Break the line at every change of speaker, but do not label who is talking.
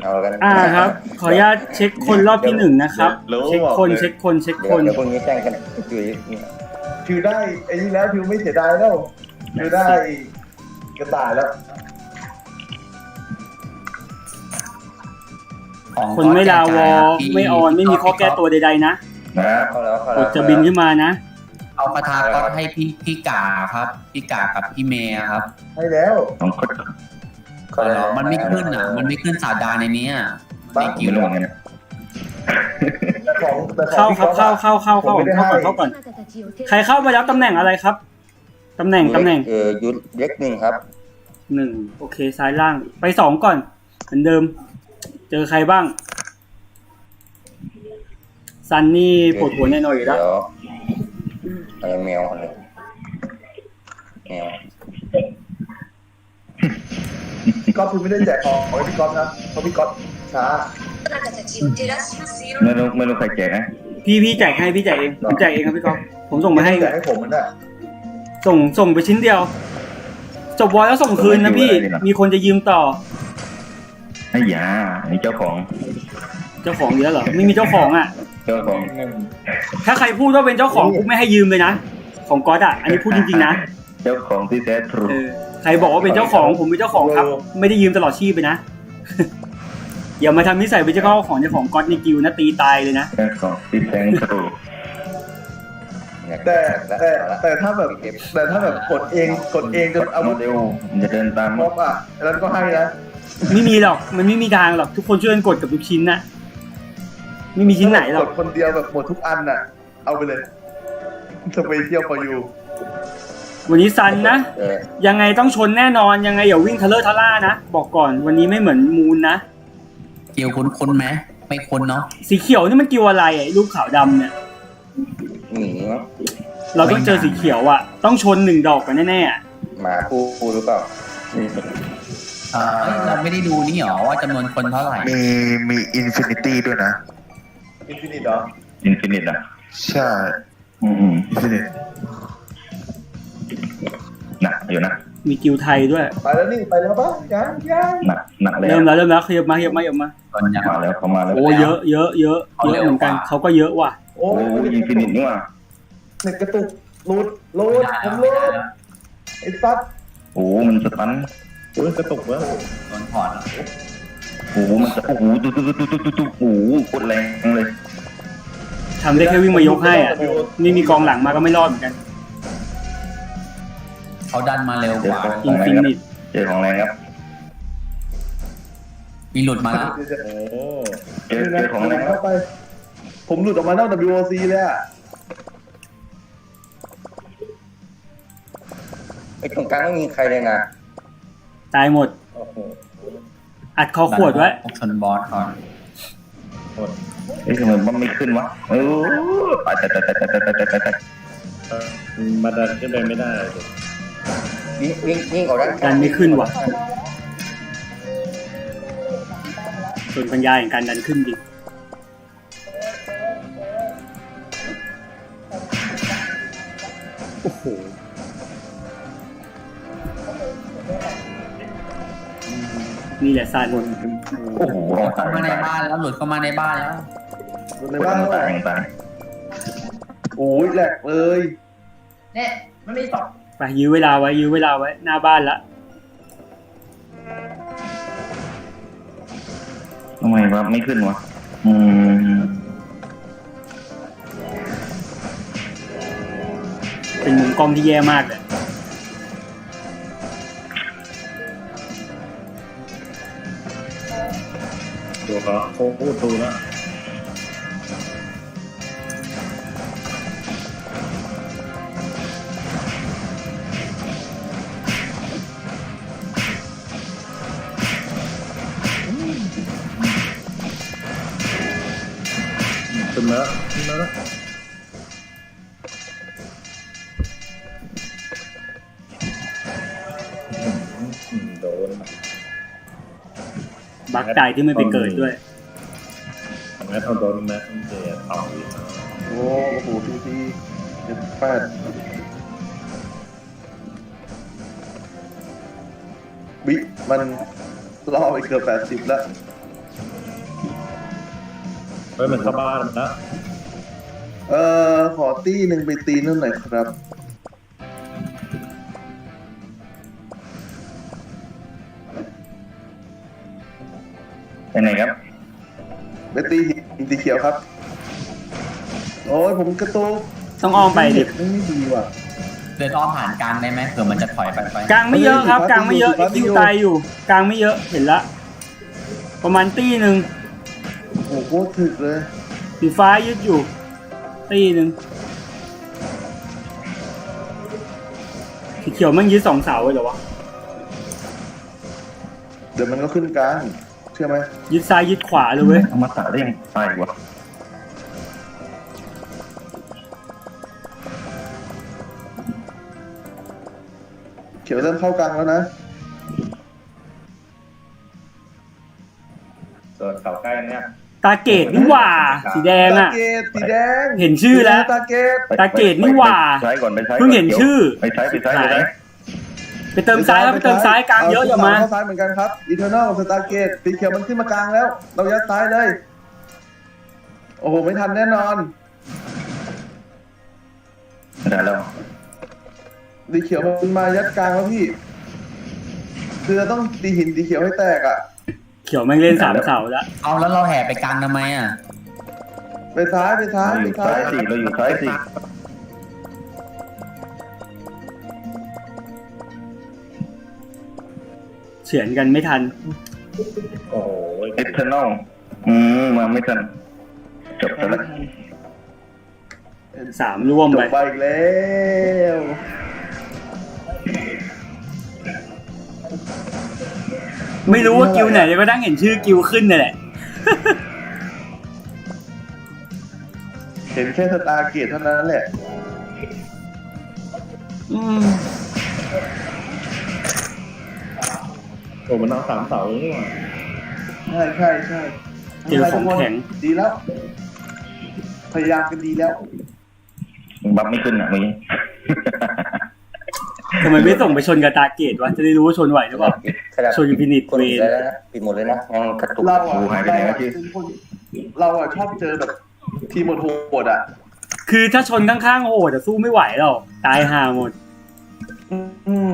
เอากัน
ครับขออนุญาตเช็คคนรอบที่1นะครับเช็คคน
เดี๋ยวพวกนี้แจ้งกันจุย
ทิวได้ไอ้นี่แล้วทิวไม่เสียดายแล้วทิวได้กระต่ายแล้ว
คนไม่ลาวอไม่ออนไม่มีข้อแก้ตัวใดๆนะ
เข้าแล้ว
กดจะบินขึ้นมานะ
เอาคาถาก็ให้พี่กาครับพี่กากับพี่เมย์ครับ
ให้แล้ว
มันไม่ขึ้นอ่ะมันไม่ขึ้นสาดาในนี้ในกิว
เข้าครับเข้าก่อนใครเข้ามาแล้วตำแหน่งอะไรครับตำแหน่ง
ยุดเล็กหนึ่งครับ
1โอเคซ้ายล่างไป2ก่อนเหมือนเดิมเจอใครบ้างซันนี่ปวดหัวแน่นอนอยู่แล้ว
อะไรแมวอะไรแมว
ก๊อฟคือไม่ได้แจกของให้พี่ก๊อฟนะเพราะพี่ก๊อฟช้า
ไม่รู้ใครแจกนะ
พี่แจกให้พี่แจกเองผมแจกเองครับพี่ก๊อฟผมส่งมาให้
แจกให้ผมมันได้
ส่งไปชิ้นเดียวจบวอยแล้วส่งคืนนะพี่มีคนจะยืมต่อ
ไอ้ยาไอ้เจ้าของ
เยอะเหรอไม่มีเจ้าของอ่ะ
เจ้าของ
ถ้าใครพูดว่าเป็นเจ้าของกูไม่ให้ยืมเลยนะของก๊อตอ่ะอันนี้พูดจริงๆนะ
เจ้าของที่แท้ทรู
ใครบอกว่าเป็นเจ้าของผมเป็นเจ้าของครับไม่ได้ยืมตลอดชีพไปนะอย่ามาทำนิสัยเป็นเจ้าของก๊อตในกิวนะตีตายเลยนะ
เจ้าของที่แท้ทรู
แต่ถ้าแบบกดเองจนอาวุธ
เร็วจะเดินตาม
ม็อบแล้วก็ให้นะ
ไม่มีหรอกมันไม่มีทางหรอกทุกคนช่วยกันกดกับทุกชิ้นนะไม่มีชิ้นไหนหรอก
กดคนเดียวแบบหมดทุกอันน่ะเอาไปเลยสเปเชียล for you
วันนี้ซันนะยังไงต้องชนแน่นอนยังไงอย่าวิ่งทะเลาะทะล่านะบอกก่อนวันนี้ไม่เหมือนมูนนะ
เกี่ยวคุ้นไหมไม่คุ้นเนาะ
สีเขียวนี่มันกิวอะไรไอ้รูปขาวดำเนี่ย
หมี
เราต้องเจอสีเขียวอ่ะต้องชน1 ดอกกันแน่
ๆหมาคู่หรือเปล่า
เราไม่ได้ดูนี่หรอว่าจำนวนคนเท่าไหร่
มีอินฟินิตี้ด้วยนะ
อินฟินิตเหรอ
อินฟินิตอ่ะ
ใช่อินฟินิต
หนักอยู่นะ
มีกิวไทยด้วย
ไปแล้วนี่ไปแล้วป่ะยัง
หนักเลย
เริ่มแล้วขยับมา
มาแล้วเขามาแล้ว
โอ้เยอะเหมือนกันเขาก็เยอะว่ะ
โอ้อินฟินิตนี่ว่ะ
เน็ตกระตุกรูดผมรูดไอ้ซัด
โอ้มันจะตัน
กระตุกเว้ย
โดนถอด
มันจะตุ๊กดแรงเลย
ทำได้แค่วิ่งมายกให้อ่ะไม่มีกองหลังมาก็ไม่รอดเหมือนกัน
เขาดันมาเร็วกว่า
อินฟินิต
เจอของแรงครับ
มีหลุดมาแล้ว
เจอของแรง
เข้าไปผมหลุดออกมานอก WOC เลยอ่ะ
ไอ้ตรงกลางไม่มีใครเลยนะ
ตายหมดอัดคอขวดไว้
ชนบอสก่อน
ทำไมมันไม่ขึ้นวะไป
มาดันขึ้นไปไม่ได้
วิ่งออก
ด้านไม่ขึ้นวะส่วนปัญญาอย่างการดันขึ้นดิโอ้โหนี่แหละซาน
โอ้โห
เข้ามาในบ้านแล้วหลุดเข้ามาในบ้านแล้ว
ต่าง
โอ้ยแหลกเลย
เนี่ยมันไม่ตอบ
ไปยื้อเวลาไว้หน้าบ้านละ
ทำไมวะไม่ขึ้นวะ
เป็นมุมกล้องที่แย่มากเลย
ตัวเขาพูดตูแล้วขึ้นมาแล้วโดน
บักตายที่ไม่ไปเกิดด้วย
แม้ต้องโดนแม้ต้องเจอต่ออีกโอ้โหที78วิมันล่อไปเกือบ80แล้วเฮ้ยมันเข้าบ้านมันนะ
ขอตี้หนึ่งไปตีนู่นหน่อยครับ
ไปไหนครับ
ไปตีหินสีเขียวครับ โอ้ยผมกระตุก
ต้องอ้อมไปดิ
ไม่ดีว่ะ
เดินอ้อมผ่านกลางได้ไหมเผื่อมันจะถอยไป
กลางไม่เยอะครับ กลางไม่เยอะคิวตายอยู่ กลางไม่เยอะเห็นละ ประมาณตีหนึ่ง
โอ้โหโคตรถึกเลย
สีฟ้ายึดอยู่ ตีหนึ่งสีเขียวมันยึด2 เสาเลยเหรอวะ
เดี๋ยวมันก็ขึ้นกลางเชื่อไหม
ยึดซ้ายยึดขวาเลยเว้ย
อมตะได้ยังตายวะ
เขียวเริ่มเข้ากลางแล้วนะ
ส่วนเสาใกล้เนี่ย
ตาเกตนี่หว่า สีแดง
ตา
อ่ะ
เกตสีแดง
เห็นชื่อแล้ว
ตาเกต
ตาเกตนี่หว่า
ไปใช้ก่อนไปใช้ก่อน
เพิ่งเห็นชื่อ
ไปใช้ไปใช้ไปใช้
ไปเติมซ้ายครับไปเติมซ้ายกลางเยอะอย่ามา
เข้าซ้ายเหมือนกันครับอีเทอร์นอลกับสตาร์เกตสีเขียวมันขึ้นมากลางแล้ว เรายัดซ้ายเลย โอ้โห ไม่ทันแน่นอน
ได้แล้ว
สีเขียวมันมายัดกลางแล้วพี่ คือเราต้องตีหินสีเขียวให้แตกอ่ะ
เขียวแม่งเล่น3 เสาแล้ว
เอาแล้วเราแห่ไปกลางทำไมอ่ะ
ไปซ้ายไปซ้าย
เราอ
ไป
ยู่
ซ้า
ซ้าย
ย
สิเราอยู่ซ้ายสิ
เฉือนกันไม่ทัน
โอ้โห
เอเทอร์นอลมาไม่ทันจบไปแล้ว
3 ร่วม
จ
ไป
บไปอีกแล้ว
ไม่รู้ว่ากิวไหนแต่ก็ตั้งเห็นชื่อกิวขึ้นนี่แหละ
เห็นแค่สตาร์เกตเท่านั้นแหละ
อืม
โอ้มันเอา3 เสาเลยนี่หว่า
ใช่ใช่ใช่
เจอของแข็ง
ดีแล้ว พยายามกันดีแล้ว
บัฟไม่ขึ้นอ่ะเมื่อกี้
ทำไมไม่ส่งไปชนกับตาเกตวะ จะได้รู้ว่าชนไหวหรือเปล่า ชนอินฟินิต
คน
เว
ปิด
น
เลยนะปิดหมดเลยนะยังกระตุก
เราอ่ะ
โอ้หายไปไหนแล้วที่
เป็นคนเราอ่ะชอบเจอแบบทีมโหดๆอ่ะ
คือถ้าชนข้างๆโหดจะสู้ไม่ไหวหรอกตายห่าหมด
อืม